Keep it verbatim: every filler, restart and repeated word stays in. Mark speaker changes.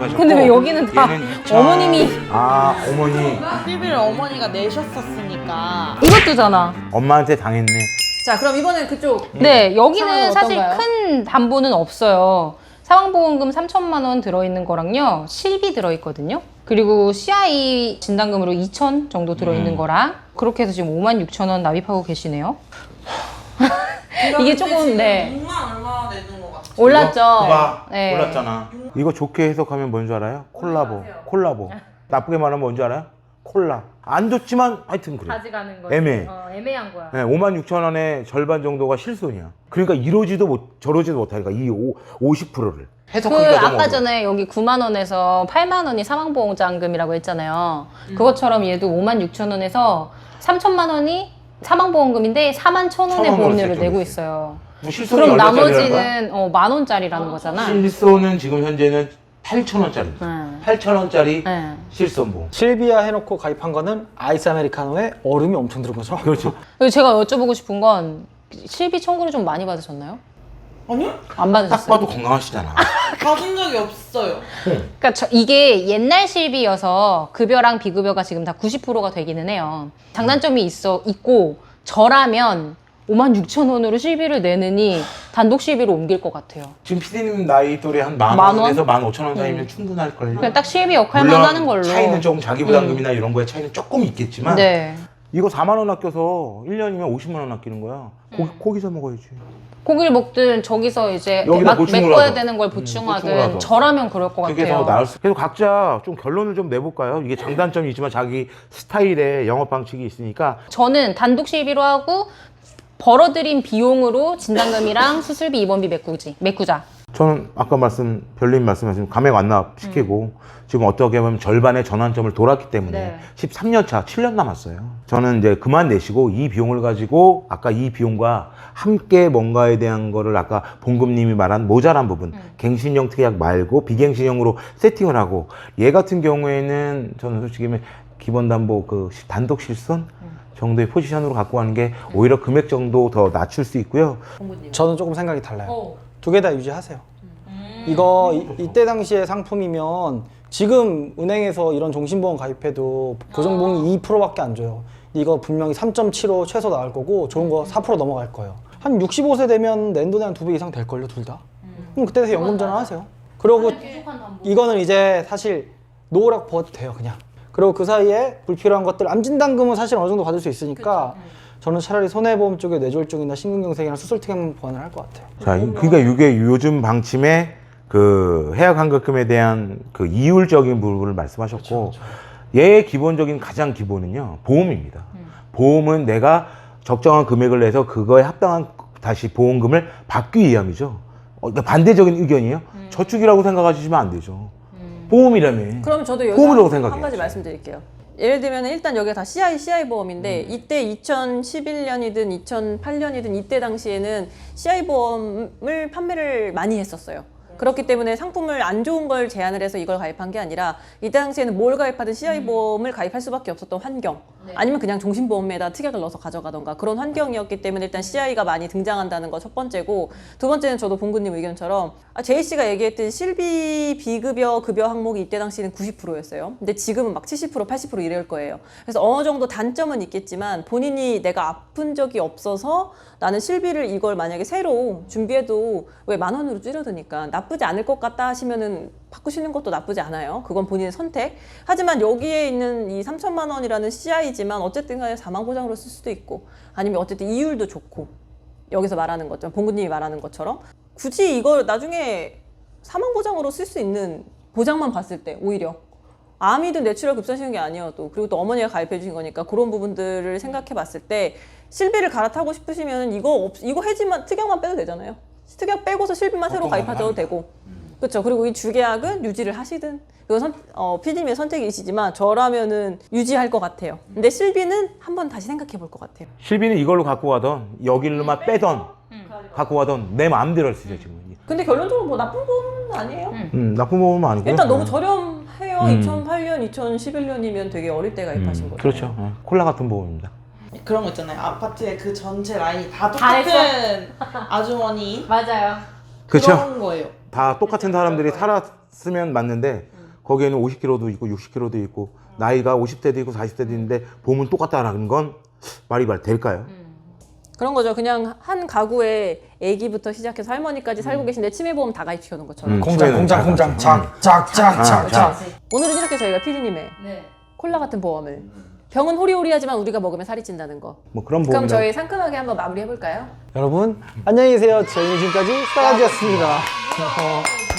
Speaker 1: 가셨고.
Speaker 2: 근데 왜 여기는 다
Speaker 1: 이천...
Speaker 2: 어머님이.
Speaker 1: 아 어머니.
Speaker 3: 실비를 어머니가 내셨었으니까.
Speaker 2: 이것도잖아.
Speaker 1: 엄마한테 당했네.
Speaker 4: 자, 그럼 이번엔 그쪽.
Speaker 2: 네, 여기는
Speaker 4: 상황은
Speaker 2: 사실
Speaker 4: 어떤가요?
Speaker 2: 큰 담보는 없어요. 사망보험금 삼천만 원 들어있는 거랑요, 실비 들어있거든요. 그리고 씨아이 진단금으로 이천 정도 들어있는
Speaker 1: 음.
Speaker 2: 거랑, 그렇게 해서 지금 오만 육천 원 납입하고 계시네요. 이게 조금, 네.
Speaker 3: 육만 얼마 내는 것 같아.
Speaker 2: 올랐죠?
Speaker 1: 봐,
Speaker 2: 네.
Speaker 1: 올랐잖아. 이거 좋게 해석하면 뭔지 알아요? 콜라보. 콜라보. 나쁘게 말하면 뭔지 알아요? 콜라. 안 좋지만 하여튼 그래.
Speaker 2: 가져가는 거.
Speaker 1: 애매해.
Speaker 2: 어, 애매한 거야.
Speaker 1: 네, 오만 육천 원의 절반 정도가 실손이야. 그러니까 이러지도 못, 저러지도 못하니까 이 오, 오십 퍼센트를.
Speaker 2: 그
Speaker 1: 해석하기가 너무
Speaker 2: 아까
Speaker 1: 어려워.
Speaker 2: 전에 여기 구만 원에서 팔만 원이 사망보험장금이라고 했잖아요. 그것처럼 얘도 오만 육천 원에서 삼천만 원이 사망보험금인데 사만 천 원의
Speaker 1: 천 원으로
Speaker 2: 보험료를
Speaker 1: 세팅이
Speaker 2: 내고
Speaker 1: 있어요.
Speaker 2: 있어요.
Speaker 1: 뭐 실손이
Speaker 2: 그럼
Speaker 1: 얼마짜리라는 거야?
Speaker 2: 나머지는 어, 만 원짜리라는 거잖아.
Speaker 1: 실손은 지금 현재는 팔천 원짜리.
Speaker 2: 네.
Speaker 1: 팔천 원짜리
Speaker 2: 네.
Speaker 1: 실손보험.
Speaker 5: 실비아 해놓고 가입한 거는 아이스 아메리카노에 얼음이 엄청 들은 거죠.
Speaker 1: 그렇죠.
Speaker 2: 그리고 제가 여쭤보고 싶은 건 실비 청구를 좀 많이 받으셨나요?
Speaker 3: 아니요?
Speaker 2: 안
Speaker 1: 딱
Speaker 2: 받으셨어요?
Speaker 1: 봐도 건강하시잖아.
Speaker 3: 받은 적이 없어요.
Speaker 2: 그러니까 저, 이게 옛날 실비여서 급여랑 비급여가 지금 다 구십 퍼센트가 되기는 해요. 장단점이 있어 있고 저라면 오만 육천 원으로 실비를 내느니 단독 실비로 옮길 것 같아요.
Speaker 1: 지금 피디님 나이 또래 한 만
Speaker 2: 만 원?
Speaker 1: 원에서 만 오천 원 사이면 충분할걸요.
Speaker 2: 그냥 딱 실비 역할만
Speaker 1: 물론
Speaker 2: 하는 걸로.
Speaker 1: 차이는 조금 자기부담금이나 이런 거에 차이는 조금 있겠지만
Speaker 2: 네.
Speaker 1: 이거 사만 원 아껴서 일 년이면 오십만 원 아끼는 거야. 고기,
Speaker 2: 음.
Speaker 1: 고기 사 먹어야지.
Speaker 2: 고기를 먹든 저기서 이제
Speaker 1: 여기다
Speaker 2: 막
Speaker 1: 보충을
Speaker 2: 메꿔야
Speaker 1: 하든.
Speaker 2: 되는 걸
Speaker 1: 음, 보충을
Speaker 2: 보충하든
Speaker 1: 하든.
Speaker 2: 저라면 그럴 것
Speaker 1: 그게
Speaker 2: 같아요.
Speaker 1: 더 나을 수. 그래서 각자 좀 결론을 좀 내볼까요? 이게 장단점이 있지만 자기 스타일의 영업 방식이 있으니까
Speaker 2: 저는 단독 실비로 하고 벌어들인 비용으로 진단금이랑 수술비, 입원비 메꾸지, 메꾸자.
Speaker 1: 저는 아까 말씀 별님 말씀하신 감액 완납 시키고 지금 어떻게 보면 절반의 전환점을 돌았기 때문에
Speaker 2: 네.
Speaker 1: 십삼 년 차, 칠 년 남았어요. 저는 이제 그만 내시고 이 비용을 가지고 아까 이 비용과 함께 뭔가에 대한 거를 아까 봉금님이 말한 모자란 부분 갱신형 특약 말고 비갱신형으로 세팅을 하고 얘 같은 경우에는 저는 솔직히 기본 담보 그 단독 실손 정도의 포지션으로 갖고 가는 게 오히려 금액 정도 더 낮출 수 있고요.
Speaker 5: 저는 조금 생각이 달라요.
Speaker 4: 어.
Speaker 5: 두 개 다 유지하세요. 이거 이, 이때 당시의 상품이면 지금 은행에서 이런 종신보험 가입해도 고정보험이 이 퍼센트밖에 안 줘요. 이거 분명히 삼 점 칠오 최소 나올 거고 좋은 거 사 퍼센트 넘어갈 거예요. 한 육십오 세 되면 내 돈에 한 두 배 이상 될걸요, 둘 다? 그럼 그때 돼서 연금 전환하세요. 그리고 이거는 이제 사실 놓으라고 버도 돼요, 그냥. 그리고 그 사이에 불필요한 것들, 암진단금은 사실 어느 정도 받을 수 있으니까 저는 차라리 손해보험 쪽에 뇌졸중이나 심근경색이나 수술특약 보완을 할 것 같아요.
Speaker 1: 자, 이- 그러니까 이게 요즘 방침의 그 해약환급금에 대한 그 이율적인 부분을 말씀하셨고, 얘의 기본적인 가장 기본은요 보험입니다. 보험은 내가 적정한 금액을 내서 그거에 합당한 다시 보험금을 받기 위함이죠. 어, 그러니까 반대적인 의견이에요. 저축이라고 생각하시면 안 되죠. 보험이라며.
Speaker 4: 그럼 저도 여기서
Speaker 1: 보험이라고
Speaker 4: 한,
Speaker 1: 생각해야지.
Speaker 4: 한 가지 말씀드릴게요. 예를 들면 일단 여기가 다 씨아이, 씨아이 보험인데 이때 이천십일 년이든 이천팔 년이든 이때 당시에는 씨아이 보험을 판매를 많이 했었어요. 그렇기 때문에 상품을 안 좋은 걸 제안을 해서 이걸 가입한 게 아니라 이 당시에는 뭘 가입하든 씨아이 보험을 가입할 수밖에 없었던 환경, 아니면 그냥 종신보험에다 특약을 넣어서 가져가던가 그런 환경이었기 때문에 일단 씨아이가 많이 등장한다는 거 첫 번째고, 두 번째는 저도 봉구님 의견처럼 아, 제이 씨가 얘기했듯이 실비 비급여 급여 항목이 이때 당시에는 구십 퍼센트였어요. 근데 지금은 막 칠십 퍼센트, 팔십 퍼센트 이럴 거예요. 그래서 어느 정도 단점은 있겠지만 본인이 내가 아픈 적이 없어서 나는 실비를 이걸 만약에 새로 준비해도 왜 만 원으로 줄여드니까 나쁘지 않을 것 같다 하시면은 바꾸시는 것도 나쁘지 않아요. 그건 본인의 선택. 하지만 여기에 있는 이 삼천만 원이라는 씨아이지만 어쨌든 간에 사망 보장으로 쓸 수도 있고, 아니면 어쨌든 이율도 좋고, 여기서 말하는 것처럼 봉구님이 말하는 것처럼 굳이 이걸 나중에 사망 보장으로 쓸 수 있는 보장만 봤을 때 오히려 암이든 뇌출혈 급성시는 게 아니어도, 그리고 또 어머니가 가입해 주신 거니까 그런 부분들을 생각해 봤을 때 실비를 갈아타고 싶으시면 이거 없, 이거 해지만 특약만 빼도 되잖아요. 특약 빼고서 실비만 새로 가입하셔도 되고. 그렇죠. 그리고 이 주계약은 유지를 하시든, 이건 선, 어, 피디님의 선택이시지만 저라면은 유지할 것 같아요. 근데 실비는 한번 다시 생각해 볼 것 같아요.
Speaker 1: 실비는 이걸로 갖고 가던 여기로만 빼던 갖고 가던 내 마음대로 할 수 있어요 지금.
Speaker 4: 근데 결론적으로 뭐 나쁜 보험은 아니에요.
Speaker 1: 음, 나쁜 보험은 아니고요.
Speaker 4: 일단 너무
Speaker 1: 네.
Speaker 4: 저렴해요.
Speaker 1: 음.
Speaker 4: 이천팔 년, 이천십일 년이면 되게 어릴 때 가입하신
Speaker 1: 음,
Speaker 4: 거죠.
Speaker 1: 그렇죠. 네. 콜라 같은 보험입니다.
Speaker 3: 그런 거 있잖아요. 아파트에 그 전체 라인이 다
Speaker 2: 다
Speaker 3: 똑같은 아주머니
Speaker 2: 맞아요.
Speaker 1: 그렇죠.
Speaker 3: 그런 거예요.
Speaker 1: 다 똑같은 사람들이 살아 쓰면 맞는데 거기에는 오십 킬로미터도 있고 육십 킬로미터도 있고 나이가 오십 대도 있고 사십 대도 있는데 보험은 똑같다라는 건 말이 말 될까요?
Speaker 4: 그런 거죠. 그냥 한 가구에 아기부터 시작해서 할머니까지 살고 계신데 치매보험 다 가입시켜 놓은 것처럼.
Speaker 1: 음,
Speaker 5: 공장,
Speaker 1: 치매는
Speaker 5: 공장,
Speaker 1: 잘
Speaker 5: 공장,
Speaker 1: 가죠.
Speaker 5: 작, 작, 작,
Speaker 1: 아,
Speaker 5: 작,
Speaker 1: 자.
Speaker 5: 작.
Speaker 4: 오늘은 이렇게 저희가 피디님의
Speaker 2: 네.
Speaker 4: 콜라 같은 보험을 병은 호리호리하지만 우리가 먹으면 살이 찐다는 거.
Speaker 1: 뭐 그런
Speaker 4: 그럼
Speaker 1: 보험이
Speaker 4: 저희 상큼하게 한번 마무리 해볼까요?
Speaker 5: 여러분 안녕히 계세요. 저희는 지금까지 싸가지였습니다.